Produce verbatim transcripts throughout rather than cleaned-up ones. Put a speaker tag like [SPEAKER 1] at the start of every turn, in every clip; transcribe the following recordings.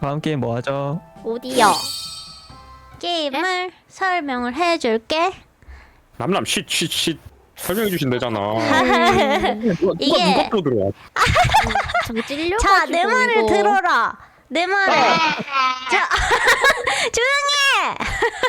[SPEAKER 1] 다음 게임 뭐 하죠?
[SPEAKER 2] 어디요? 게임을 설명을 해줄게.
[SPEAKER 3] 남남 쉿쉿쉿 설명해 주신대잖아. 누가
[SPEAKER 2] 이게-
[SPEAKER 3] 누가 또 들어와?
[SPEAKER 2] 저기 찔려가지고 자, 내 말을
[SPEAKER 4] 이거.
[SPEAKER 2] 들어라. 내 말을. 자, 조용히 해.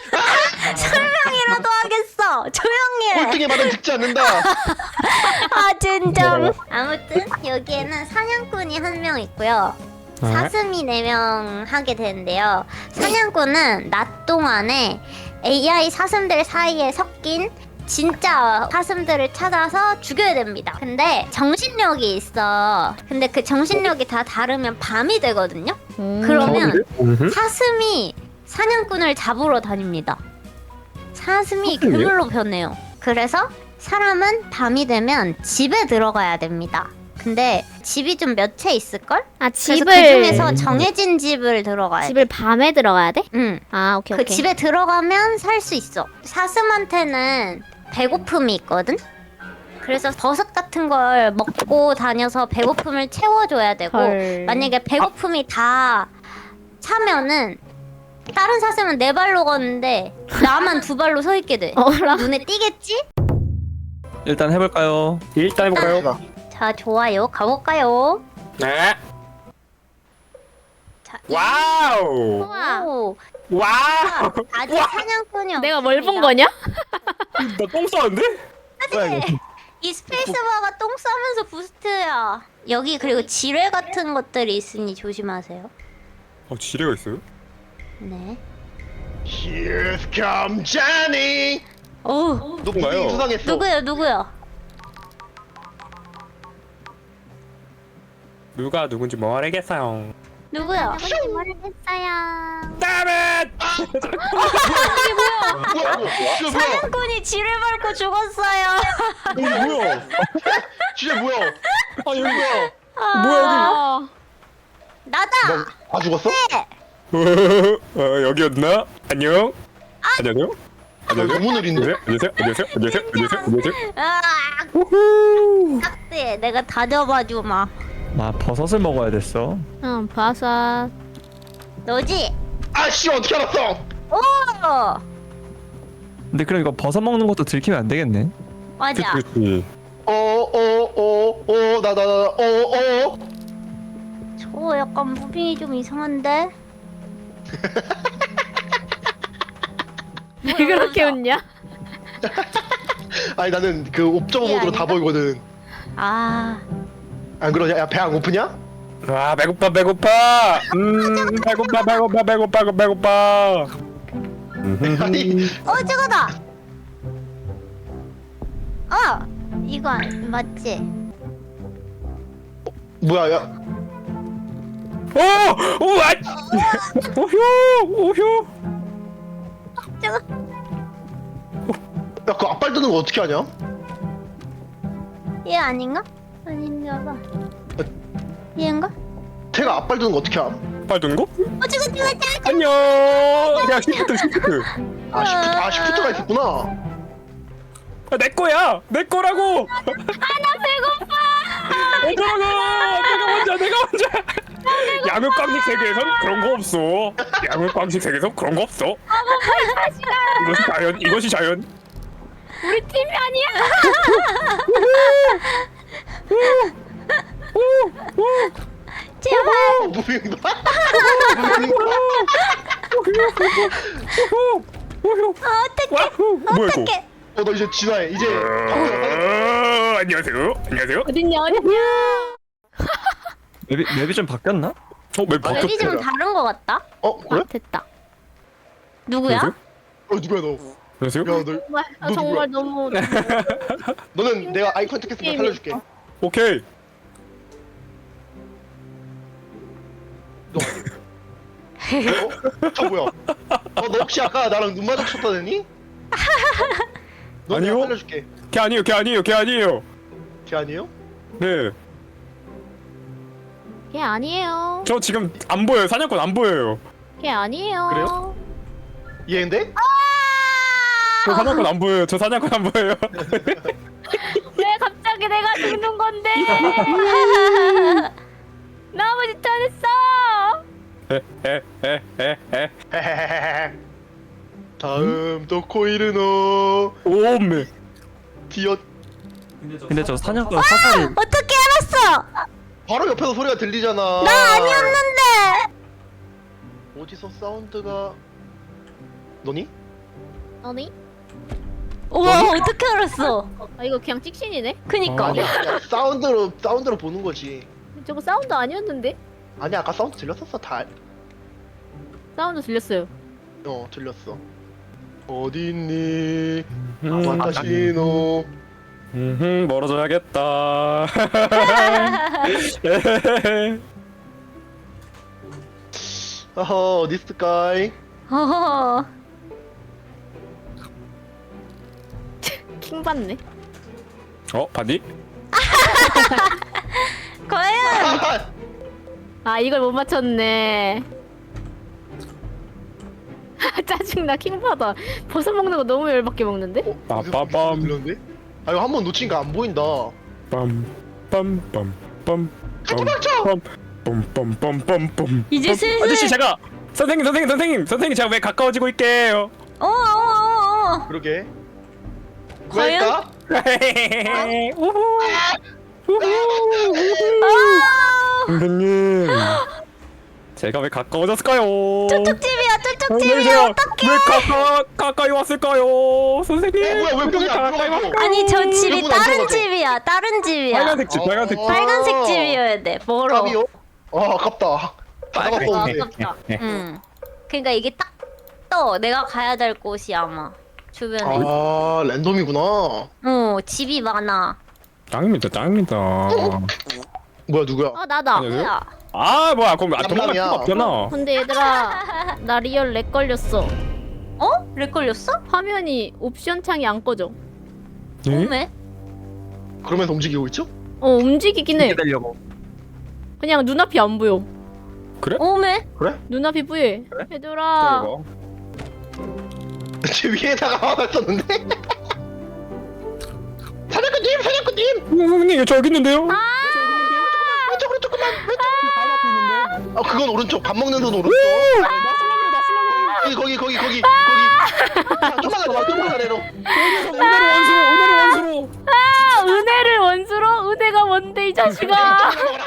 [SPEAKER 2] 설명이라도 하겠어. 조용히 해.
[SPEAKER 4] 꼴등에 받은 듣지 않는다.
[SPEAKER 2] 아, 진짜. 아무튼 여기에는 사냥꾼이 한 명 있고요. 사슴이 네 명 하게 되는데요. 사냥꾼은 낮 동안에 에이아이 사슴들 사이에 섞인 진짜 사슴들을 찾아서 죽여야 됩니다. 근데 정신력이 있어. 근데 그 정신력이 다 다르면 밤이 되거든요. 그러면
[SPEAKER 3] 음흠.
[SPEAKER 2] 사슴이 사냥꾼을 잡으러 다닙니다. 사슴이
[SPEAKER 3] 사슴이요?
[SPEAKER 2] 괴물로 변해요. 그래서 사람은 밤이 되면 집에 들어가야 됩니다. 근데 집이 좀 몇 채 있을걸?
[SPEAKER 5] 아
[SPEAKER 2] 그래서
[SPEAKER 5] 집을
[SPEAKER 2] 그 중에서 정해진 집을 들어가야 돼.
[SPEAKER 5] 집을 밤에 들어가야 돼?
[SPEAKER 2] 응.
[SPEAKER 5] 아 오케이
[SPEAKER 2] 그
[SPEAKER 5] 오케이.
[SPEAKER 2] 집에 들어가면 살 수 있어. 사슴한테는 배고픔이 있거든? 그래서 버섯 같은 걸 먹고 다녀서 배고픔을 채워줘야 되고
[SPEAKER 5] 헐.
[SPEAKER 2] 만약에 배고픔이 다 차면은 다른 사슴은 네 발로 걷는데 나만 두 발로 서 있게 돼.
[SPEAKER 5] 어라.
[SPEAKER 2] 눈에 띄겠지?
[SPEAKER 1] 일단 해볼까요?
[SPEAKER 3] 일단 해볼까요?
[SPEAKER 2] 자, 좋아요. 가볼까요?
[SPEAKER 3] 네.
[SPEAKER 2] 자,
[SPEAKER 3] 와우.
[SPEAKER 5] 우와.
[SPEAKER 2] 오,
[SPEAKER 3] 와우.
[SPEAKER 2] 아직 사냥꾼이
[SPEAKER 5] 내가 뭘 본
[SPEAKER 2] 없습니다.
[SPEAKER 5] 거냐?
[SPEAKER 3] 나 똥 싸는데?
[SPEAKER 1] 뭐야 이거?
[SPEAKER 2] 이 스페이스바가 똥 싸면서 부스트야. 여기 그리고 지뢰 같은 것들이 있으니 조심하세요.
[SPEAKER 3] 어 지뢰가 있어요?
[SPEAKER 2] 네.
[SPEAKER 4] Here come Johnny.
[SPEAKER 2] 오,
[SPEAKER 4] 너
[SPEAKER 3] 누군가요?
[SPEAKER 4] 분명히 수상했어.
[SPEAKER 2] 누구요, 누구요?
[SPEAKER 3] 누가 누군지 모르겠어요.
[SPEAKER 2] 누구요?
[SPEAKER 5] 모르겠어요.
[SPEAKER 3] 다음엔
[SPEAKER 4] 뭐야 뭐야? 진짜 뭐야?
[SPEAKER 2] 사냥꾼이 지뢰 밟고 죽었어요.
[SPEAKER 3] 여기 뭐야?
[SPEAKER 4] 진짜 뭐야?
[SPEAKER 3] 아 여기
[SPEAKER 4] 뭐야?
[SPEAKER 3] 뭐야
[SPEAKER 5] 어.
[SPEAKER 2] 나다.
[SPEAKER 4] 너 다 죽었어?
[SPEAKER 2] 네.
[SPEAKER 3] 여기? 어 여기였나? 안녕. 안녕하세요.
[SPEAKER 4] 너 너무 느린데?
[SPEAKER 3] 안녕하세요. 안녕하세요. 안녕하세요. 안녕하세요. 안녕하세요.
[SPEAKER 2] 아, 딱대. 내가 다져봐 주마.
[SPEAKER 1] 아 버섯을 먹어야 됐어.
[SPEAKER 5] 응 버섯.
[SPEAKER 2] 너지?
[SPEAKER 4] 아씨 어떻게 알았어?
[SPEAKER 2] 오,
[SPEAKER 1] 근데 그럼 이거 버섯 먹는 것도 들키면 안 되겠네.
[SPEAKER 2] 맞아.
[SPEAKER 3] 그렇지.
[SPEAKER 4] 어어어어어나나나어어
[SPEAKER 2] 저 약간 무빙이 좀 이상한데.
[SPEAKER 5] 왜 그렇게 웃냐?
[SPEAKER 4] 아니 나는 그 옵저버
[SPEAKER 2] 이게
[SPEAKER 4] 모드로 다
[SPEAKER 2] 아닌가?
[SPEAKER 4] 보이거든.
[SPEAKER 2] 아,
[SPEAKER 4] 안 그러냐? 야 배 안 고프냐?
[SPEAKER 3] 와 배고파 배고파. 음 배고파 배고파 배고파 배고파.
[SPEAKER 4] 아니
[SPEAKER 2] 어, 저거다. 어, 이거 안- 맞지?
[SPEAKER 4] 뭐야 야
[SPEAKER 3] 오! 오! 아! 오효! 오효!
[SPEAKER 2] 저거.
[SPEAKER 4] 야, 그 앞발 뜨는 거 어떻게 하냐?
[SPEAKER 2] 얘 아닌가? 아닌가 봐. 얘인가?
[SPEAKER 4] 걔가 앞발 뜨는 거 어떻게 함?
[SPEAKER 3] 빨든 거?
[SPEAKER 2] 어, 저거 저거 저거.
[SPEAKER 3] 안녕! 야 시프트 시프트.
[SPEAKER 4] 아 시프트 아 시프트가 있었구나.
[SPEAKER 3] 아, 내 거야! 내 거라고!
[SPEAKER 2] 나 배고파.
[SPEAKER 3] 어쩌라고! 내가 먼저 내가 먼저! 양육광식 세계에선 그런 거 없어. 양육광식 세계에선 그런 거 없어. 이것이 자연. 이것이 자연.
[SPEAKER 5] 우리 팀이 아니야.
[SPEAKER 2] 제발.
[SPEAKER 4] 어, 무빙다.
[SPEAKER 3] 오효! 오효!
[SPEAKER 2] 어떡해.
[SPEAKER 3] 와후! 뭐야 이거?
[SPEAKER 2] 어떡해.
[SPEAKER 4] 어너 이제 진화해. 이제
[SPEAKER 3] 어, 안녕하세요. 안녕하세요.
[SPEAKER 5] 어딨냐 어딨냐.
[SPEAKER 1] 맵이 맵이 좀 바뀌었나?
[SPEAKER 3] 어, 맵 바뀌었다.
[SPEAKER 2] 맵이 좀 다른 거 같다.
[SPEAKER 4] 어 그래?
[SPEAKER 5] 아, 됐다.
[SPEAKER 2] 누구야?
[SPEAKER 3] 안녕하세요.
[SPEAKER 4] 어 누구야 너?
[SPEAKER 3] 안녕하세요.
[SPEAKER 4] 야 너.
[SPEAKER 5] 정말 아,
[SPEAKER 4] 너
[SPEAKER 5] 정말 너무.
[SPEAKER 4] 너는 내가 아이 컨택했으면 살려줄게.
[SPEAKER 3] 오케이.
[SPEAKER 4] 너. 어? 저 뭐야? 어너 혹시 아까 나랑 눈 마주쳤다더니? 너 내가
[SPEAKER 3] 아니요.
[SPEAKER 4] 살려줄게.
[SPEAKER 3] 걔 아니에요. 걔 아니에요. 걔 아니에요.
[SPEAKER 4] 걔 아니에요?
[SPEAKER 3] 네.
[SPEAKER 5] 걔 아니에요.
[SPEAKER 3] 저 지금 안 보여요. 사냥꾼 안 보여요.
[SPEAKER 5] 걔 아니에요.
[SPEAKER 4] 그래요? 얘인데?
[SPEAKER 3] 저 사냥꾼 안 보여요. 저 사냥꾼 안 보여요.
[SPEAKER 5] 왜 갑자기 내가 죽는 건데? 나 아무 짓도 안 했어.
[SPEAKER 3] 에, 에,
[SPEAKER 4] 코이르노
[SPEAKER 3] 오메.
[SPEAKER 4] 디엇.
[SPEAKER 1] 근데 저 사냥꾼 사살이
[SPEAKER 2] 어떻게 알았어?
[SPEAKER 4] 바로 옆에서 소리가 들리잖아.
[SPEAKER 2] 나 아니었는데.
[SPEAKER 4] 어디서 사운드가 너니?
[SPEAKER 5] 아니?
[SPEAKER 2] 우와 어떻게 알았어?
[SPEAKER 5] 아 이거 그냥 찍신이네?
[SPEAKER 2] 그니까.
[SPEAKER 4] 아니야, 아니야. 사운드로 사운드로 보는 거지.
[SPEAKER 5] 저거 사운드 아니었는데?
[SPEAKER 4] 아니야, 아까 사운드 들렸었어 다.
[SPEAKER 5] 사운드 들렸어요.
[SPEAKER 4] 어, 들렸어. 어디 있니?
[SPEAKER 3] 음,
[SPEAKER 4] 와타시노.
[SPEAKER 3] 음, 멀어져야겠다.
[SPEAKER 4] 어허, 어디 있을까이?
[SPEAKER 2] 어허.
[SPEAKER 5] 킹 받네.
[SPEAKER 3] 어, 봤니?
[SPEAKER 2] 과연
[SPEAKER 5] 아 이걸 못 맞췄네. 짜증나 킹 받아. 버섯 먹는 거 너무 열받게 먹는데?
[SPEAKER 4] 어,
[SPEAKER 3] 빠빠밤.
[SPEAKER 4] 들렸는데? 아 이거 한 번 놓치니까 안 보인다.
[SPEAKER 3] 빰, 빰, 빰, 빰.
[SPEAKER 4] 도망쳐!
[SPEAKER 3] 빰빰빰빰빰빰.
[SPEAKER 2] 이제 슬슬-
[SPEAKER 3] 아저씨 제가 선생님 선생님 선생님 선생님 제가 왜 가까워지고 있게요?
[SPEAKER 2] 어어어어.
[SPEAKER 4] 그러게.
[SPEAKER 2] 과연?
[SPEAKER 4] 왜일까?
[SPEAKER 3] 우후.
[SPEAKER 2] 아,
[SPEAKER 3] 선생님 제가 왜 가까워졌을까요?
[SPEAKER 2] 저쪽집이야 저쪽집이야
[SPEAKER 3] 선생님,
[SPEAKER 2] 어떡해.
[SPEAKER 3] 왜 가까 가까이 왔을까요? 선생님
[SPEAKER 4] 어, 뭐야, 왜 문이 안
[SPEAKER 3] 가까이
[SPEAKER 4] 들어가죠?
[SPEAKER 3] 왔-
[SPEAKER 2] 아니 저 집이
[SPEAKER 4] 문 안
[SPEAKER 2] 다른
[SPEAKER 4] 들어가죠?
[SPEAKER 2] 집이야 다른 집이야
[SPEAKER 3] 빨간색 집 빨간색 집.
[SPEAKER 4] 어.
[SPEAKER 2] 빨간색 집이어야 돼 멀어
[SPEAKER 4] 답이요? 아 아깝다. 다
[SPEAKER 3] 빨간색
[SPEAKER 4] 잡았어.
[SPEAKER 3] 집.
[SPEAKER 2] 아깝다 응 그러니까 이게 딱 떠 내가 가야 될 곳이 아마 주변에
[SPEAKER 4] 아 랜덤이구나.
[SPEAKER 2] 어 집이 많아
[SPEAKER 3] 짱입니다 짱입니다.
[SPEAKER 4] 뭐야 누구야?
[SPEAKER 5] 아 나다.
[SPEAKER 3] 아니요.
[SPEAKER 2] 뭐야
[SPEAKER 3] 아 뭐야 그럼 아, 도망갈
[SPEAKER 4] 깜깜이야.
[SPEAKER 3] 필요가 없잖아.
[SPEAKER 5] 근데 얘들아 나 리얼 렉 걸렸어.
[SPEAKER 2] 어? 렉 걸렸어?
[SPEAKER 5] 화면이 옵션 창이 안 꺼져.
[SPEAKER 3] 예?
[SPEAKER 2] 오메?
[SPEAKER 4] 그러면서 움직이고 있죠?
[SPEAKER 5] 어 움직이긴 해.
[SPEAKER 1] 기다려고.
[SPEAKER 5] 그냥 눈앞이 안 보여.
[SPEAKER 2] 오메?
[SPEAKER 4] 그래?
[SPEAKER 5] 눈앞이 뿌예. 얘들아.
[SPEAKER 3] 이거.
[SPEAKER 4] 제 위에다가 화났었는데? 사냥꾼님! 사냥꾼님!
[SPEAKER 3] 선생님 저기 있는데요?
[SPEAKER 5] 아!
[SPEAKER 4] 왼쪽으로 조금만!
[SPEAKER 3] 바로 앞에 있는데.
[SPEAKER 4] 아 그건 오른쪽. 밥 먹는 손 오른쪽.
[SPEAKER 3] 나슬라그래 나슬라그래.
[SPEAKER 4] 거기 거기 거기 거기 거기. 자, 좀만 아래로 좀만 아래로.
[SPEAKER 3] 여기서 오늘의 원수로 오늘의 원수로.
[SPEAKER 5] 아, 은혜를 원수로? 은혜가 뭔데 이 자식아?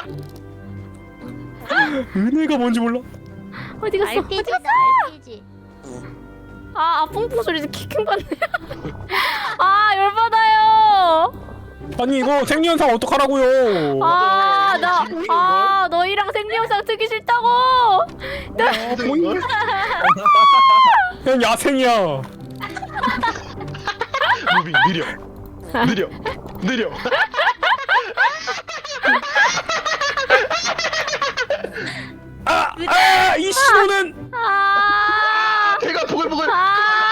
[SPEAKER 3] 은혜가 뭔지 몰라.
[SPEAKER 5] 어디 갔어?
[SPEAKER 2] 알피지다 알피지
[SPEAKER 5] 아, 아 퐁퐁 소리 킥킹 받네. 아 열받아요.
[SPEAKER 3] 아니 이거 생리현상 어떡하라고요?
[SPEAKER 5] 아, 나, 아, 너희랑 생리현상 트기 싫다고.
[SPEAKER 4] 이걸?
[SPEAKER 3] 그냥 야생이야.
[SPEAKER 4] 무빙 느려. 느려. 느려.
[SPEAKER 3] 아, 아, 이 신호는
[SPEAKER 5] 아,
[SPEAKER 4] 배가 보글보글.
[SPEAKER 5] 아,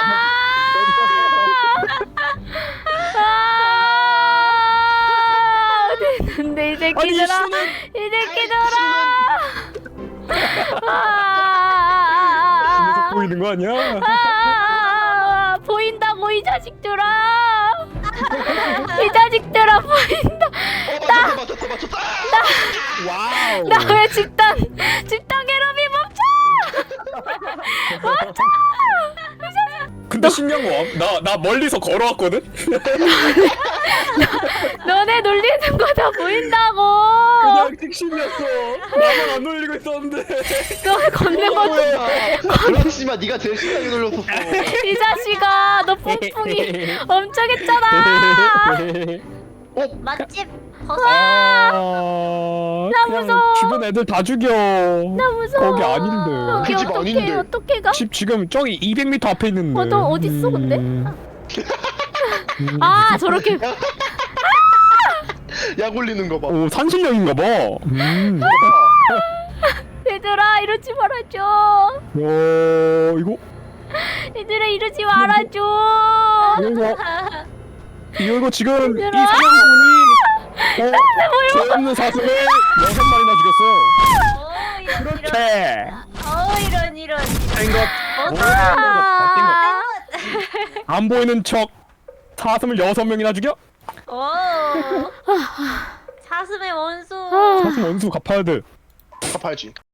[SPEAKER 5] 아, 어디 있는데 이
[SPEAKER 3] 아니 이
[SPEAKER 5] 새끼들아,
[SPEAKER 3] 신호는
[SPEAKER 5] 이 새끼들아. 아,
[SPEAKER 3] 계속
[SPEAKER 5] 아,
[SPEAKER 3] 보이는 거 아니야?
[SPEAKER 5] 아, 아, 보인다고 이 자식들아. 이 자식들아 보인다.
[SPEAKER 4] 어 맞췄어 맞췄어 맞췄어.
[SPEAKER 3] 와우.
[SPEAKER 5] 나 왜 집단 집단 괴롭이 멈춰!
[SPEAKER 3] 근데 신기한 거나 나 멀리서 걸어왔거든.
[SPEAKER 5] 너네 놀리는 거 다 보인다고.
[SPEAKER 3] 그냥 택신이었어. 나만 안 놀리고 있었는데.
[SPEAKER 5] 너 걷는 거.
[SPEAKER 4] 그렇지만 네가 제일 신나게 놀렸었어.
[SPEAKER 5] 이 자식아, 너 뿡뿡이 엄청 했잖아.
[SPEAKER 4] 어?
[SPEAKER 2] 맛집 버섯
[SPEAKER 3] 아,
[SPEAKER 5] 나
[SPEAKER 3] 그냥
[SPEAKER 5] 무서워.
[SPEAKER 3] 주변 애들 다 죽여.
[SPEAKER 5] 나 무서워.
[SPEAKER 3] 거기 아닌데.
[SPEAKER 5] 거기
[SPEAKER 4] 그 집
[SPEAKER 5] 어떻게
[SPEAKER 4] 아닌데.
[SPEAKER 5] 어떻게 가?
[SPEAKER 3] 집 지금 저기 이백 미터 앞에 있는데.
[SPEAKER 5] 어, 너 어디 있어, 근데?
[SPEAKER 3] 음.
[SPEAKER 5] 아, 저렇게.
[SPEAKER 4] 약 올리는 거 봐.
[SPEAKER 3] 오 산신령인가 봐. 음.
[SPEAKER 5] 얘들아, 이러지 말아줘.
[SPEAKER 3] 야 이거
[SPEAKER 5] 얘들아, 이러지 말아줘.
[SPEAKER 3] 이거 이거 이거 지금 이
[SPEAKER 5] 얘들아.
[SPEAKER 3] 사냥꾼이 어, 죄 없는 사슴을 여섯 마리나 죽였어요.
[SPEAKER 2] 어 이런
[SPEAKER 3] 그렇게
[SPEAKER 2] 어 이런 이런
[SPEAKER 3] 된것
[SPEAKER 5] 아,
[SPEAKER 3] 안 보이는 척 사슴을 여섯 명이나 죽여?
[SPEAKER 2] 오 사슴의 원수
[SPEAKER 5] 아.
[SPEAKER 3] 사슴 원수 갚아야 돼.
[SPEAKER 4] 갚아야지.